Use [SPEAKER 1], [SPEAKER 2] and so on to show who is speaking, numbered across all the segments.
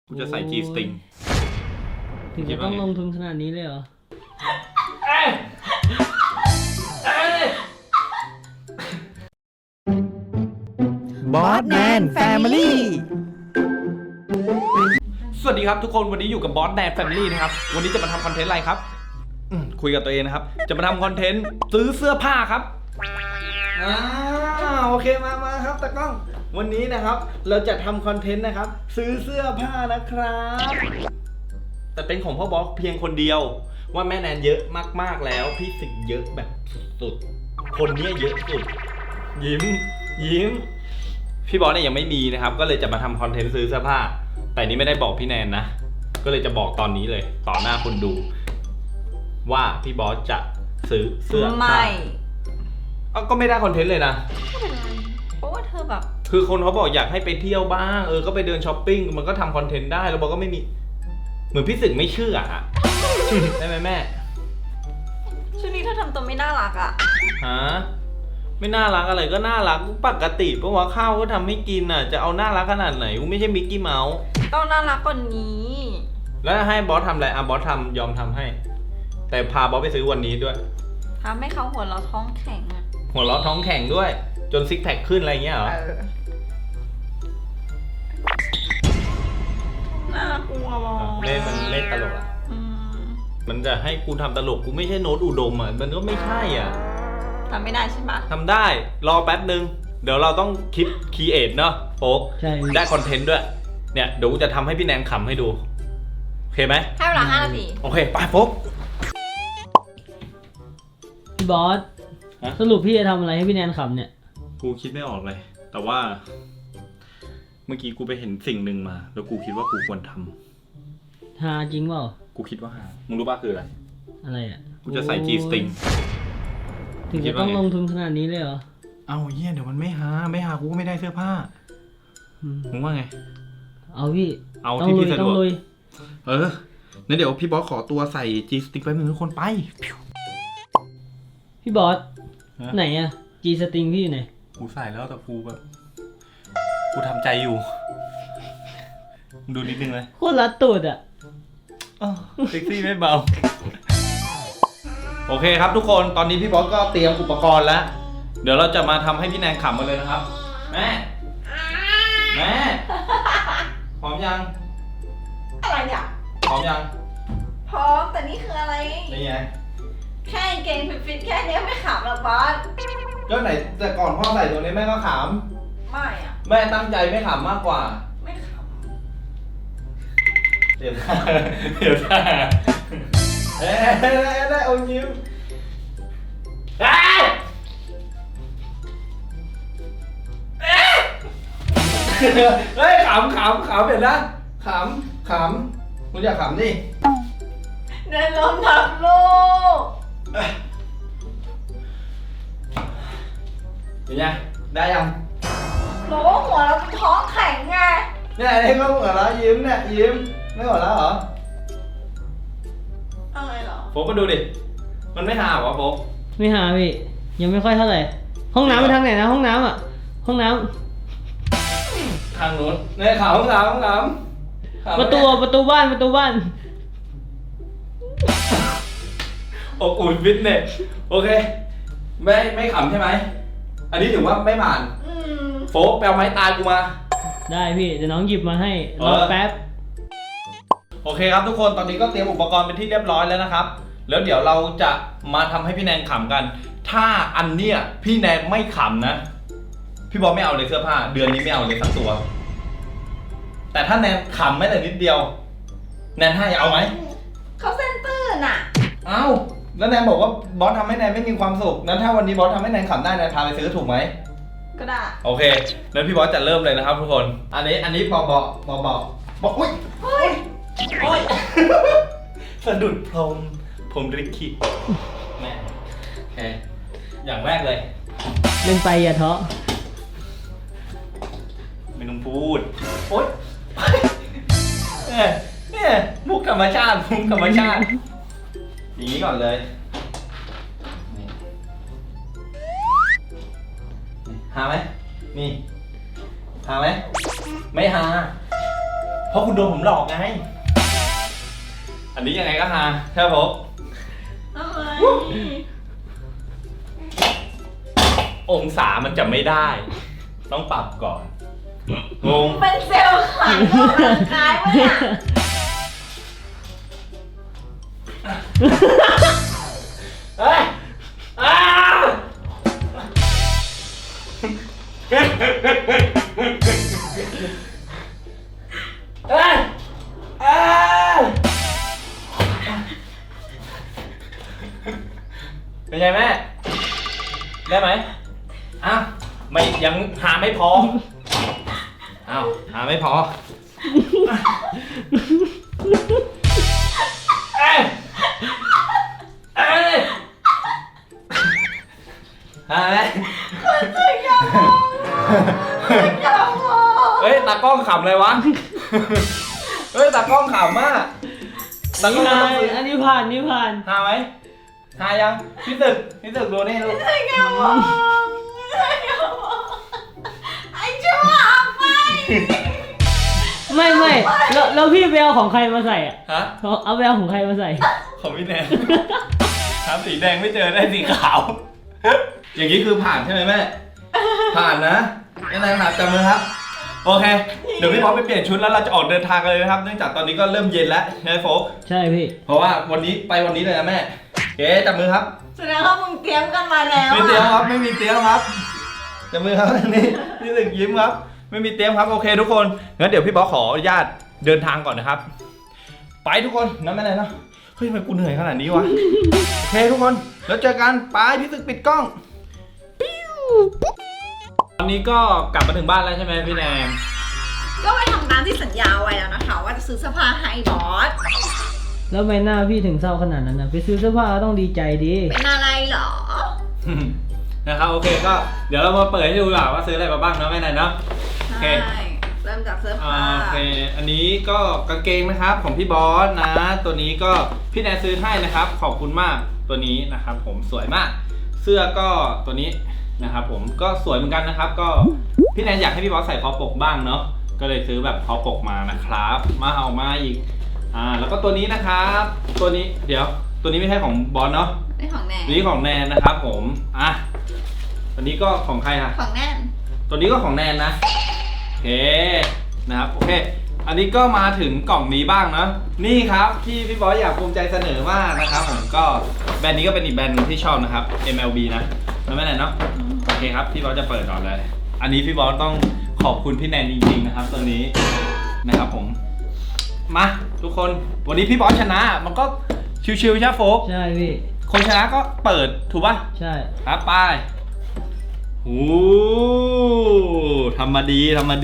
[SPEAKER 1] กูจะใส่ G string
[SPEAKER 2] ถึงจะต้องลงทุนขนาดนี้เลยเหรอ
[SPEAKER 3] บอสแมนแฟมิลี่
[SPEAKER 1] สวัสดีครับทุกคนวันนี้อยู่กับบอสแดนแฟมิลี่นะครับวันนี้จะมาทำคอนเทนต์อะไรครับคุยกับตัวเองนะครับจะมาทำคอนเทนต์ซื้อเสื้อผ้าครับโอเคมาครับตากล้องวันนี้นะครับเราจะทำคอนเทนต์นะครับซื้อเสื้อผ้านะครับแต่เป็นของพ่อบอสเพียงคนเดียวว่าแม่แนนเยอะมากๆแล้วพี่สิงเยอะแบบสุดคนนี้เยอะสุดยิ้มพี่บอสเนี่ยยังไม่มีนะครับก็เลยจะมาทำคอนเทนต์ซื้อเสื้อผ้าแต่นี้ไม่ได้บอกพี่แนนนะก็เลยจะบอกตอนนี้เลยต่อหน้าคนดูว่าพี่บอสจะซื้อเสื้อผ้า
[SPEAKER 4] ไม่
[SPEAKER 1] ก็ไม่ได้คอนเทนต์เลยนะ
[SPEAKER 4] ไม่เป็นไรเพราะว่าเธอแบบ
[SPEAKER 1] คือคนเขาบอกอยากให้ไปเที่ยวบ้างก็ไปเดินช้อปปิ้งมันก็ทำคอนเทนต์ได้แล้วบอกก็ไม่มีเหมือนพี่สึกไม่เชื่ออะ ได้ไหมแม่
[SPEAKER 4] ช่วงนี้เธอทำตัวไม่น่ารักอะ
[SPEAKER 1] ฮะไม่น่ารักอะไรก็น่ารักปกติเพราะว่าข้าวก็ทำให้กินอ่ะจะเอาน่ารักขนาดไหนกูไม่ใช่มิกกี้เมาส์
[SPEAKER 4] ต้องน่ารักกว่านี้
[SPEAKER 1] แล้วให้บอสทำอะไรบอสทำยอมทำให้แต่พาบอสไปซื้อวันนี้ด้วย
[SPEAKER 4] ทำให้เขาหัวเราะท้องแข็งอะ
[SPEAKER 1] หัวเราะท้องแข็งด้วยจนซิกแพคขึ้นอะไรเงี้ยเหรอ
[SPEAKER 4] น่ากลัวมาก
[SPEAKER 1] เล่นมันเล่นตลกอ่ะมันจะให้กูทำตลกกูไม่ใช่โน้ตอุดมอ่ะมันก็ไม่ใช่อ่ะ
[SPEAKER 4] ทำไม่ได้ใช่ปะ
[SPEAKER 1] ทำได้รอแป๊บนึงเดี๋ยวเราต้องคิดคีเอทเนาะโฟกได้คอนเทนต์ด้วยเนี่ยเดี๋ยวกูจะทำให้พี่แนนขำให้ดูโอเคไหม
[SPEAKER 4] ให้เวลา5 นาที
[SPEAKER 1] โอเคไปโฟก
[SPEAKER 2] พี่บอสสรุปพี่จะทำอะไรให้พี่แนนขำเนี่ย
[SPEAKER 1] กูคิดไม่ออกเลยแต่ว่าเมื่อกี้กูไปเห็นสิ่งหนึ่งมาแล้วกูคิดว่ากูควรท
[SPEAKER 2] ำหาจริงเปล่า
[SPEAKER 1] กูคิดว่าหามึงรู้ป่ะคืออะไร
[SPEAKER 2] อะไรอ่ะ
[SPEAKER 1] กูจะใส่ G string
[SPEAKER 2] ถึงจะต้องลงทุนขนาดนี้เลยเหรอ
[SPEAKER 1] เอาเหี้ยเดี๋ยวมันไม่หากูก็ไม่ได้เสื้อผ้ามึงว่าไง
[SPEAKER 2] เอาพี่
[SPEAKER 1] เอาที่พี่สะดวก
[SPEAKER 2] งั้
[SPEAKER 1] นเดี๋ยวพี่บอสขอตัวใส่ G string ไปมึงทุกคนไป
[SPEAKER 2] พี่บอสไหนอะ G string พี่อยู่ไหน
[SPEAKER 1] กูใส่แล้วแต่กูแบบกูทำใจอยู่ดูนิดนึงเลย
[SPEAKER 2] โคตรรัดตูดอะ
[SPEAKER 1] เซ็กซี่ไม่เบาโอเคครับทุกคนตอนนี้พี่บอสก็เตรียมอุปกรณ์แล้วเดี๋ยวเราจะมาทำให้พี่แนนขำกันเลยนะครับแม่พร้อมยัง
[SPEAKER 4] อะไรเนี่ย
[SPEAKER 1] พร้อมยัง
[SPEAKER 4] พร้อมแต่นี่คืออะไร
[SPEAKER 1] นี่ไง
[SPEAKER 4] แค่เกงฟิตแค่นี้ไม่ขำหรอกบอส
[SPEAKER 1] ก็ไหนแต่ก่อนพ่อใส่ตัวนี้แม่ก็ขำ
[SPEAKER 4] ไม่อะ
[SPEAKER 1] แม่ตั้งใจไม่ขำมากกว่า
[SPEAKER 4] ไม่ขำ
[SPEAKER 1] เดี๋ยวได้อมยิ้มเฮ้ยขำเห็นนะขำคุณอยากขำดิ
[SPEAKER 4] เดินล้มทับลูก
[SPEAKER 1] เห็นยังได้ยัง
[SPEAKER 4] บอกว่าหัวเราเป็นท้องแข็งไง
[SPEAKER 1] เนี่ยนี่ก็หัวเราะยิ้มเนี่ยยิ้มไม่หัวเราะเหรอ
[SPEAKER 4] อะไรเหรอ
[SPEAKER 1] โฟกก็ดูดิมันไม่หาวะโฟก
[SPEAKER 2] ไม่หาพี่ยังไม่ค่อยเท่าไหร่ห้องน้ำไปทางไหนนะห้องน้ำอ่ะห้องน้ำ
[SPEAKER 1] ทางนู้นเนี่ยขาห้องน้ำ
[SPEAKER 2] ประตูบ้าน
[SPEAKER 1] อบอุ่นฟิตเนสโอเคไม่ขำใช่ไหมอันนี้ถือว่าไม่ผ่านโฟกไปเอาไม้ตาลกูมา
[SPEAKER 2] ได้พี่เดี๋ยวน้องหยิบมาให้รอแป๊บ
[SPEAKER 1] โอเคครับทุกคนตอนนี้ก็เตรียมอุปกรณ์เป็นที่เรียบร้อยแล้วนะครับแล้วเดี๋ยวเราจะมาทำให้พี่แนนขำกันถ้าอันเนี้ยพี่แนนไม่ขำนะพี่บอลไม่เอาเลยเสื้อผ้าเดือนนี้ไม่เอาเลยสักตัวแต่ถ้าแนนขำแม้แต่นิดเดียวแนนให้เอาไหม
[SPEAKER 4] เขาเส้นตื้นอ่ะ
[SPEAKER 1] เอ้าแล้วแนนบอกว่าบอสทำให้แนนไม่มีความสุขนั้นถ้าวันนี้บอสทำให้แนนขำได้แนนพาไปซื้อถูกไหม
[SPEAKER 4] ก็ได้
[SPEAKER 1] โอเคงั้นพี่บอสจะเริ่มเลยนะครับทุกคนอันนี้บอกอุ้ยสะดุดพรมริคิแม่โอเคอย่างแรกเลย
[SPEAKER 2] เล่นไปอย่าท้อ
[SPEAKER 1] ไม่ต้องพูดโอ๊ยเนี่ยมุกธรรมชาติอย่างนี้ก่อนเลยหาไหมนี่หาไหมไม่หาเพราะคุณโดนผมหลอกไง อันนี้ยังไงก็ฮาใช่ไหมผม
[SPEAKER 4] ทำไม
[SPEAKER 1] องศามันจะไม่ได้ ต้องปรับก่อนงง
[SPEAKER 4] เป็นเซลล์ขายออกกำลังกายวะเนี่ย
[SPEAKER 1] เฮ้ยอ้าเฮ้ยอ้าเป็นไงแม่ ได้ไหมอ้าวไม่ยังหาไม่พออ้าวหาไม่พอเอ้ยเอ้ยหาไหม
[SPEAKER 4] อย่ามอง
[SPEAKER 1] เฮ้ยตากล้องขำเลยวะ เฮ้ยตากล้องขำมากตากล้องต้องซื้อ
[SPEAKER 2] อันนี้ผ่านนี่ผ่าน
[SPEAKER 1] หาไหมหายังพี่ตึกดูนี่ลูก
[SPEAKER 4] อย่ามองไอ้ชั่วไป
[SPEAKER 2] ไม่แล้วพี่ไปเอาของใครมาใส่อ่ะ
[SPEAKER 1] ฮะ
[SPEAKER 2] เอาไปเอาของใครมาใส่
[SPEAKER 1] ของพี่แนนหาสีแดงไม่เจอได้สีขาว อย่างนี้คือผ่านใช่ไหมแม่ ผ่านนะแน่ๆครับจำเลยครับ โอเค เดี๋ยวพี่พอไปเปลี่ยนชุดแล้วเราจะออกเดินทางกันเลยนะครับ เนื่องจากตอนนี้ก็เริ่มเย็นแล้วใช่ไหมโฟก
[SPEAKER 2] ใช่พี่
[SPEAKER 1] เพราะว่าวันนี้ไปวันนี้เลยนะแม่โอเคจับมือครับ
[SPEAKER 4] แสดงว่ามึงเตรียมกันมาแล้ว
[SPEAKER 1] ไม่เตรียมครับ ไม่มีเตรียมครับจับมือครับนี่พี่ตึกยิ้มครับ ไม่มีเตรียมครับ โอเคทุกคน งั้นเดี๋ยวพี่บอสขออนุญาตเดินทางก่อนนะครับ ไปทุกคนนะแม่ไหนเนาะเฮ้ยทำไมกูเหนื่อยขนาดนี้วะ โอเคทุกคน แล้วเจอกัน ไปพี่ตึกปิดกล้อง ตอนนี้ก็กลับมาถึงบ้านแล้วใช่ไหมพี่แนน
[SPEAKER 4] ก็ไปทำตามที่สัญญาไว้แล้วนะคะ ว่าจะซื้อเสื้อผ้าให้บอส
[SPEAKER 2] แล้วทำไมหน้าพี่ถึงเศร้าขนาดนั้นนะไปซื้อเสื้อผ้าก็ต้องดีใจดี
[SPEAKER 4] เป็นอะไรเหรอ
[SPEAKER 1] นะครับโอเคก็เดี๋ยวเรามาเปิดให้ดูดีกว่าว่าซื้ออะไรมาบ้างเนาะแม่แนนเนาะ โอเค
[SPEAKER 4] ใช่ เริ่มจากเสื้อผ้า
[SPEAKER 1] โอเค อันนี้ก็กางเกงนะครับของพี่บอสนะ ตัวนี้ก็พี่แนนซื้อให้นะครับ ขอบคุณมากตัวนี้นะครับ ผมสวยมาก เสื้อก็ตัวนี้นะครับ ผมก็สวยเหมือนกันนะครับ ก็พี่แนนอยากให้พี่บอสใส่คอปกบ้างเนาะ ก็เลยซื้อแบบคอปกมานะครับ มาเอามาอีก แล้วก็ตัวนี้นะครับ ตัวนี้เดี๋ยว ตัวนี้ไม่ใช่ของบอสเนาะ
[SPEAKER 4] นี่ของแนน
[SPEAKER 1] ตัวนี้ของแนนนะครับ ผมตัวนี้ก็ของใครอะ
[SPEAKER 4] ของแนน
[SPEAKER 1] ตัวนี้ก็ของแนนนะ โอเคนะครับโอเค อันนี้ก็มาถึงกล่องนี้บ้างนะนี่ครับที่พี่บอสอยากภูมิใจเสนอมากนะครับผมก็แบรนด์นี้ก็เป็นอีกแบรนด์หนึงที่ชอบนะครับ MLB นะแล้วไม่แน่เนาะโอเคครับพี่บอสจะเปิดก่อนเลย อันนี้พี่บอสต้องขอบคุณพี่แนนจริงๆนะครับตัวนี้นะครับผมมาทุกคนวันนี้พี่บอสชนะมันก็ชิวๆใช่ไหมโฟก
[SPEAKER 2] ใช่พี่
[SPEAKER 1] คนชนะก็เปิดถูกป่ะ
[SPEAKER 2] ใช่
[SPEAKER 1] ครับไปโอ้ทำมาดี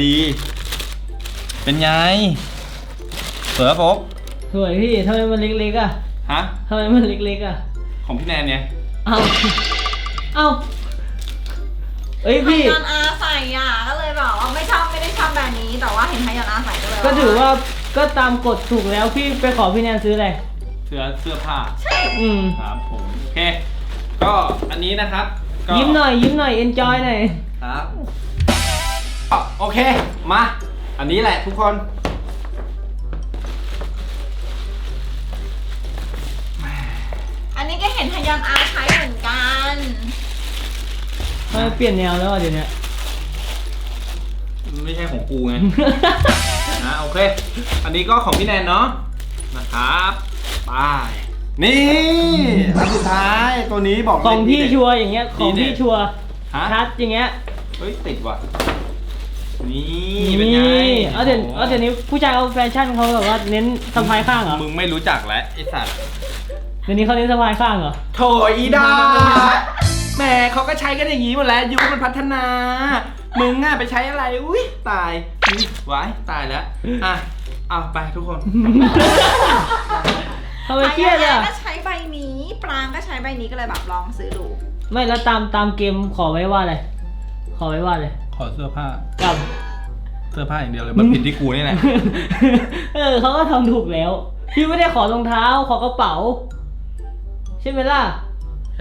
[SPEAKER 1] เป็นไงสวยปะโฟก
[SPEAKER 2] สวยพี่ทำไมมันเล็กๆอ่ะ
[SPEAKER 1] ฮะ
[SPEAKER 2] ทำไมมันเล็กๆอ่ะ
[SPEAKER 1] ของพี่แนนเนี่ย
[SPEAKER 2] เอาเอ้ยพี่
[SPEAKER 4] ไฮยอนอาใส่อ่ะก็เลยแบบว่าไม่ได้ชอบแบบนี้ แต่ว่าเห็นไฮยอนอาใส่ก็เลย
[SPEAKER 2] ก็ถือว่าก็ตามกฎถูกแล้วพี่ไปขอพี่แนนซื้ออะไร
[SPEAKER 1] เสื้อผ้า
[SPEAKER 4] ใช่
[SPEAKER 1] ครับผมโอเค ก็อันนี้นะครับก็
[SPEAKER 2] ยิ้มหน่อยเอนจอยหน่อย
[SPEAKER 1] ครับก็โอเคมาอันนี้แหละทุกคน
[SPEAKER 4] อันนี้ก็เห็นไฮยอนอาใช้เหมือนกัน
[SPEAKER 2] ทำไมเปลี่ยนแนวแล้วอ่ะเดี๋ยวนี้
[SPEAKER 1] ไม่ใช่ของกูไง นะโอเค อันนี้ก็ของพี่แนนเนาะนะครับไปนี่อันสุดท้ายตัวนี้บอกเลย
[SPEAKER 2] ของพี่
[SPEAKER 1] เด็ด
[SPEAKER 2] ชัวร์อย่างเงี้ยของพี่ชัวร์
[SPEAKER 1] ฮะ
[SPEAKER 2] ชัดอย่างเงี้ย
[SPEAKER 1] เฮ้ยติดว่ะนี่เป็นไง
[SPEAKER 2] เอาเดี๋ยวนี้ผู้ชายเอาแฟชั่นเขาแบบว่าเน้นสะพายข้างเหรอ
[SPEAKER 1] มึงไม่รู้จักแล้วไอ้สัตว์
[SPEAKER 2] เดี๋ยวนี้เขาเน้นสะพายข้างเหรอ
[SPEAKER 1] โถอีดาแหมเขาก็ใช้กันอย่างนี้หมดแล้วยุคมันพัฒนา มึงอ่ะไปใช้อะไรอุ้ยตายไว้ตายแล้วเอาไปทุกคน
[SPEAKER 2] ทำไมเครียด
[SPEAKER 4] ไฮยอน
[SPEAKER 2] อ่ะ
[SPEAKER 4] อาก็ใช้ใบนี้ ปรางก็ใช้ใบนี้ก็เลยแบบลองซื้อดู
[SPEAKER 2] ไม่แล้วตามเกมขอไว้ว่าอะไรขอไว้ว่าอะไร
[SPEAKER 1] ขอเสื้อผ้า
[SPEAKER 2] กับ
[SPEAKER 1] เสื้อผ้าอย่างเดียวเลยมันผิดที่กูนี่แหละ
[SPEAKER 2] เขาก็ทำถูกแล้ว พี่ไม่ได้ขอรองเท้าขอกระเป๋า ใช่ไหมล่ะ
[SPEAKER 1] ใช่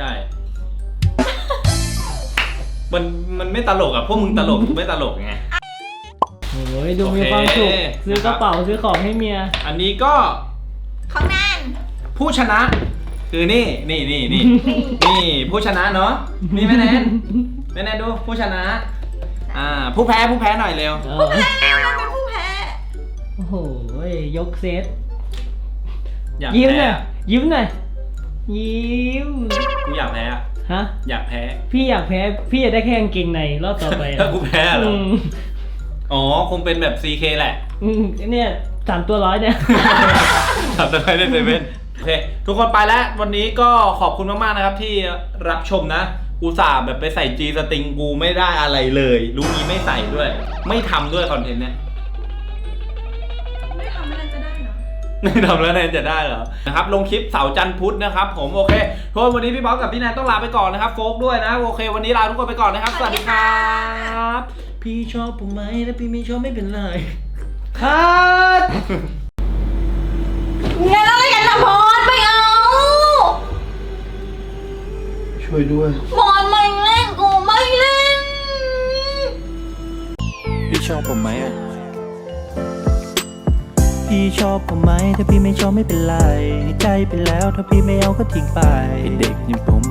[SPEAKER 1] มันไม่ตลกอ่ะพวกมึงตลกไม่ตลกไง
[SPEAKER 2] โอ้ยดูมีความสุขซื้อกระเป๋าซื้อของให้เมีย
[SPEAKER 1] อันนี้ก็
[SPEAKER 4] ของแนน
[SPEAKER 1] ผู้ชนะ คือนี่ผู้ชนะเนาะนี่แม่แนนดูผู้ชนะผู้แพ้หน่อยเร็ว
[SPEAKER 4] ผู้แพ้เราเป็นผู้แพ้
[SPEAKER 2] โอ้โหยกเซต
[SPEAKER 1] อยาก
[SPEAKER 2] ยิ้มห
[SPEAKER 1] แพ้
[SPEAKER 2] น่อยยิ้มหน่อยยิ้ม
[SPEAKER 1] กูอยากแพ้อะ
[SPEAKER 2] ฮะ
[SPEAKER 1] อยากแพ้
[SPEAKER 2] พี่อยากแพ้พี่อยากได้แค่กางเกงในรอบต่อไป
[SPEAKER 1] ถ้ากูแพ้เหรอ
[SPEAKER 2] ม
[SPEAKER 1] อ๋อคงเป็นแบบ CK แหละ
[SPEAKER 2] เนี่ย3 ตัวร้อยเนี่ย
[SPEAKER 1] ทำอะไรได้เซเว่นโอเคทุกคนไปแล้ววันนี้ก็ขอบคุณมากๆนะครับที่รับชมนะอุตส่าห์แบบไปใส่จีสติงกูไม่ได้อะไรเลยรู้งี้ไม่ใส่ด้วย ไม่ทำด้วยคอนเทนต์เนี้ย
[SPEAKER 4] ไม่ทำไม่น่าจะได้เนาะ
[SPEAKER 1] ไม่ทำแล้วแนนจะได้เหรอนะครับลงคลิปเสาร์จันทร์พุธนะครับผมโอเคทุกคนวันนี้พี่บ๊อบกับพี่แนนต้องลาไปก่อนนะครับโฟกด้วยนะโอเค วันนี้ลาทุกคนไปก่อนนะครับสวัสดีครับพี่ชอบผมไหมถ้าพี่ไม่ชอบไม่เป็นไร
[SPEAKER 2] คัด
[SPEAKER 4] งั้นอะไรกันนะพรไม่เอา
[SPEAKER 3] ช่วยด้วย
[SPEAKER 4] พรไม่เล่นกูไม่เล่น
[SPEAKER 3] พี่ชอบผมไหมอ่ะ พี่ชอบผมไหมถ้าพี่ไม่ชอบไม่เป็นไรใจไปแล้วถ้าพี่ไม่เอาก็ทิ้งไปเด็กอย่างผม